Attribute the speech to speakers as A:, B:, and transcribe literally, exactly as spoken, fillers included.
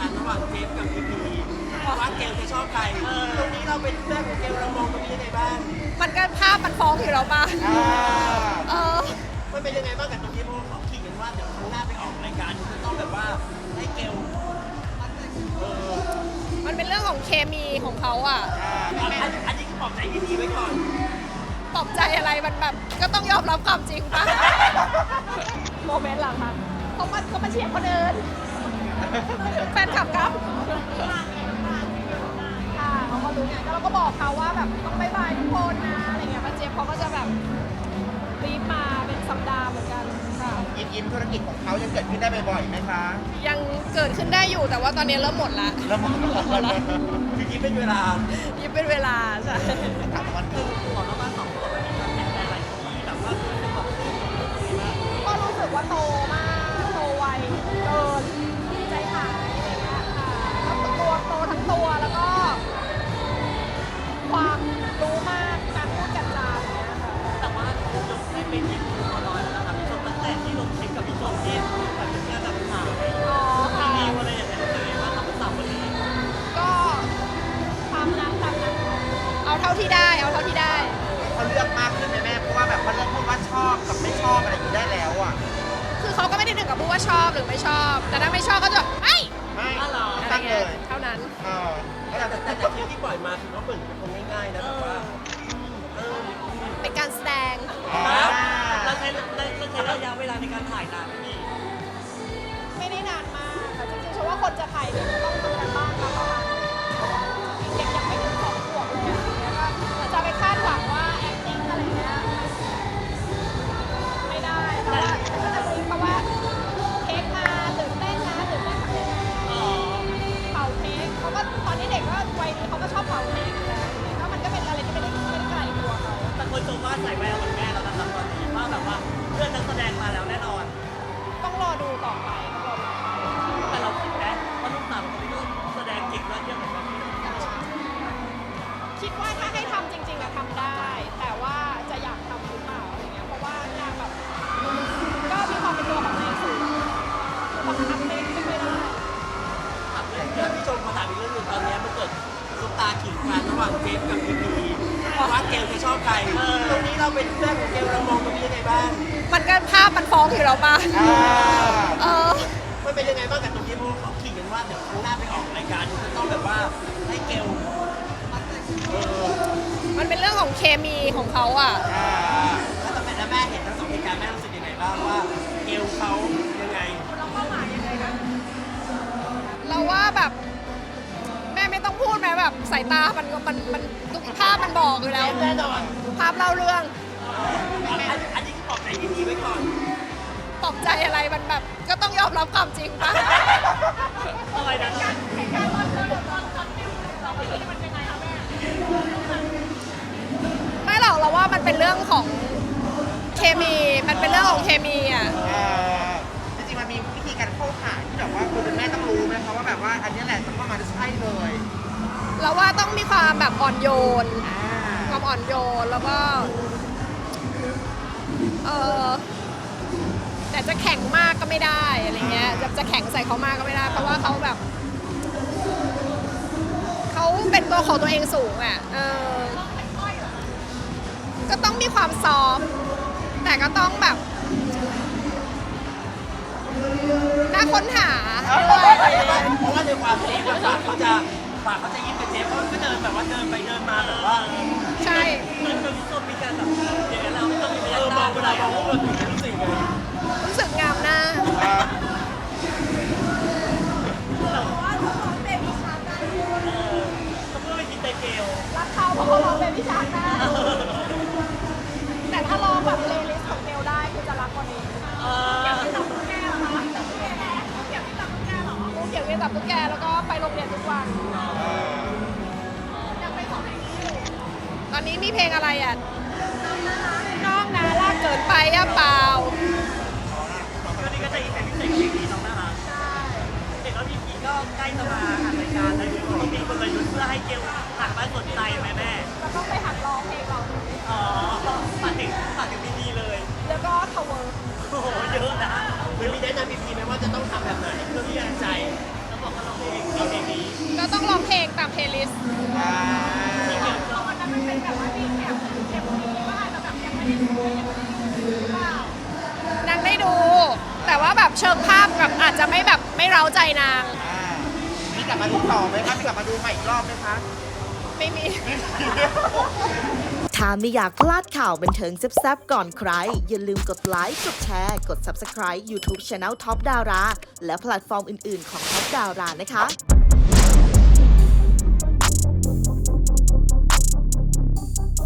A: กันระหว่างเจฟกับพีพีว่าเกลจะชอบใครตรงนี้เราเป็นเพื่อนของเกลเรามองตรงนี้ยังไงบ้าง
B: มันก็ภาพมันฟ้องอยู่แล้วป่ะเออ
A: มันเป็นยังไงบ้างกับตรงนี้เพราะเขาคิดกันว่าเดี๋ยวครั้งหน้าไปออกรายการจะต้องแบบว่าให้เกล
B: มันเป็นเรื่องของเคมีของเขาอ่ะ
A: อันนี้คือปลอบใจพีพีไว้ก่อน
B: ปลอบใจอะไรมันแบบก็ต้องยอมรับความจริงป่ะโมเมนต์หลังมันเขามาเขามาเชียร์คนอื่นแฟนคลับครับค่ะเขาก็รู้ไงแล้วเราก็บอกเขาว่าแบบต้องบายบายทุกคนนะอะไรเงี้ยป้าเจี๊ยบเขาก็จะแบบรีบมาเป็นสัปดาห์เหมือนกันค่ะ
C: ยิ้มยิ้มธุรกิจของเขายังเกิดขึ้นได้บ่อยๆไหมคะ
B: ยังเกิดขึ้นได้อยู่แต่ว่าตอนนี้เริ่มหมดละ
C: เริ่มหมดแล้ว
A: คือยิ้มเป็นเวลา
B: ยิ้มเป็นเวลาใช่
C: ถามวันคือ
A: ขอแล้วมาสองคนเป็นการแต่งอะไรที่แบบว่าเป็นแบบ
B: ก็รู้สึกว่าโตมากโตไวเกินใจหายอะไรเงี้ยค่ะแล้วตัวโตทั้งตัวแล้วก็ความรู้มากการพูดกันจาอะไรเงี้ยค่ะ
A: แต่ว่าจบได้เป็นยิ้มตัวน้อยแล้วนะครับพี่ชมตั้งแต่ที่ลงคลิปกับพี่ชมที่แบบเป็นการแบบข่าว
B: อ๋อค่ะ
A: มีอะไรอย่างเงี้ยเลยว่าทำสาวคนนี้
B: ก็ตามนั้นตามนั้นเอาเท่าที่ได้เอาเท่าที่ได้
C: เขาเลือกมากขึ้นไหมแม่เพราะว่าแบบเขาเลือกพูดว่าชอบกับไม่ชอบอะไรอยู่ได้แล้วอ่ะ
B: คือเขาก็ไม่ได้ถึงกับพูดว่าชอบหรือไม่ชอบแต่ถ้าไม่ชอบก็จะไม่
C: ไม่
B: ตั้งเลยเท่านั้น
C: เออ
A: แต่แต่แต่คลิปที่ปล่อยมาคือเขาเปิดเป็นคนง่ายๆนะแบบว่า
B: เป็นการแสดง
A: เราใช้เราใช้ระยะเวลาในการถ่ายนานไหม
B: ไม่ได้นานมากค่ะจริงๆฉันว่าคนจะถ่ายเนี่ยจะต้องทำกันบ้างค่ะประมาณเด็กยังไม่ถึงสองขวบเลยอะจะไปคาดหวังว่า acting อะไรเงี้ยไม่ได้เพราะว่าก็จะรู้เพราะว่าเค้กมาตื่นเต้นนะตื่นเต้นเป่าเค้กเขาก็ตอนนี้เด็กก็วัยนี้เขาก็ชอบเป่าเค้กอยู่แล้วแล้วมันก็เป็นอะไรที่ไม่ได้ไม่ได้ไกลตัวเขา
A: แต่คนชมว่าใส่แววเหมือนแม่แล้วนะครับตอนนี้ว่าแบบว่าเพื่อนนักแสดงมาแล้วแน่นอน
B: ต้องรอดูต่อไป
A: แต่เราคิดนะว่าลูกสาวคนนี้ก็แสดงเก่งยอดเยี่ยมเหมือนกัน
B: คิดว่าถ้าให้ทำจริงๆอะทำได้แต่ว่าจะอยากทำหรือเปล่าอะไรเงี้ยเพราะว่านางแบบก็มีความเป็นตัวของนางสูงบังคับไม่ไม่ได้
A: ครับเรื่องพี่ชมมาถามอีกเรื่องหนึ่งตอนนี้มันเกิดซุปตาขิงกันระหว่างเจฟกับพีพีว่าเกลจะชอบใครตรงนี้เราเป็นเพื่อนของเกลเรามองตรงนี้ยังไงบ้าง
B: มันก็ภาพมันฟ้องอยู่แล้วป่ะเออ
A: มันเป็นยังไงบ้างกับตรงนี้เพราะเขาคิดกันว่าเดี๋ยวครั้งหน้าไปออกรายการจะต้องแบบว่าให้เกล
B: มันเป็นเรื่องของเคมีของเขาอ่ะ
A: ถ้าตั้งแต่แม่เห็นทั้งสองเหตุการณ์แม่รู้สึกยังไงบ้างว่าเกลเขายังไง
B: เราเป้าหมายยังไงนะเราว่าแบบแม่ไม่ต้องพูดไหมแบบสายตามันมันมันทุกภาพมันบอกอยู่แล้ว
A: แน่นอน
B: ภาพเล่าเรื่อง
A: อันนี้คือปลอบใจดีๆไว้ก่อน
B: ปลอบใจอะไรมันแบบก็ต้องยอมรับความจริงป่ะ
A: อะไรนะ
B: เหตุการณ์ตอนตอนตอนตอนที่เราไปที่มันยังไงคะแม่ไม่หรอกเราว่ามันเป็นเรื่องของเคมีมันเป็นเรื่องของเคมีอ่ะ
C: จริงๆมันมีวิธีการเข้าหาที่แบบว่าคุณแม่ต้องรู้ไหมคะว่าแบบว่าอันนี้แหละจะเข้ามาจะใช่เลย
B: เราว่าต้องมีความแบบอ่อนโยนความอ่อนโยนแล้วก็เออแต่จะแข็งมากก็ไม่ได้อะไรเงี้ยจะจะแข็งใส่เขามากก็ไม่ได้เพราะว่าเขาแบบเขาเป็นตัวของตัวเองสูงอ่ะเออก็ต้องมีความซอฟแต่ก็ต้องแบบน่าค้นหา
A: ด้วยเพราะว่าในความเจฟปากเขาจะปากเขาจะยิ้มเป็นเจฟเขาก็เดินแบบว่าเดินไปเดินมาแบบว่า
B: ใช่
A: เหมือนกับส้มมีการแบบอย่างนั้นเราไม่ต้องมีพยานมองเวลามองว่าเราถึงรู้สึกไง
B: รู้สึกงามหน้า
A: เราว่าเขาร้องเบบี้ชาร์กได้เออเขาเพื่อไปกินไตเกล
B: รักเขาเพราะเขาร้องเบบี้ชาร์กได้แต่ถ้าร้องแบบเพลย์ลิสต์ของเกลได้คือจะรักกว่านี้อยากไปจับตุ๊กแกเหรอคะจับตุ๊กแกอยากไปจับตุ๊กแกเหรอลูกอยากไปจับตุ๊กแกแล้วก็ไปโรงเรียนทุกวันอยากไปของเพลงนี้อยู่ตอนนี้มีเพลงอะไรอ่ะน้องนะลากเกิดไปอ่ะเปล่า
A: ก็นี่ก็จะอีกเป็นพิเศษเพลงนี้น้องน่ารักใช่เห็นว่าพี่พีก็ใกล้จะมาอัดรายการแล้วพี่พีคนละยุทธ์เพื่อให้เกลหันมาสนใจไหมแม่
B: แล้วก็ไปหัดร้องเพลงเรา
A: อ๋อฝากถึงฝากถึงพี่พีเลย
B: แล้วก็ทาวเวอร์
A: โอ้โหเยอะนะหรือมีแนะนำพี่พีไหมว่าจะต้องทำแบบไหนเพื่อพี่ใจแล้วบอกกับเราเพลงเอาเพลงนี้
B: ก็ต้องร้องเพลงตามเพลย์ลิสต์
C: อ่า
B: เพราะวันนั้นมันเป็นแบบว่ามีแอบเก็บมีว่าอาจจะแบบยังไม่ได้ดูยังไม่ได้ดูหรือเปล่านางได้ดู แต่ว่าแบบเชิงภาพแบบอาจจะไม่แบบไม่เร้าใจนาง
C: อ่ามีกลับมาดูต่อไหมคะมีกลับมาดูใหม่อีกรอบไหมคะ
B: ไม่มี
D: ถ้าไม่อยากพลาดข่าวบันเทิงแซ่บๆก่อนใคร อย่าลืมกดไลค์ กดแชร์ กด Subscribe YouTube Channel Top Dara และแพลตฟอร์มอื่นๆของ Top Dara นะคะ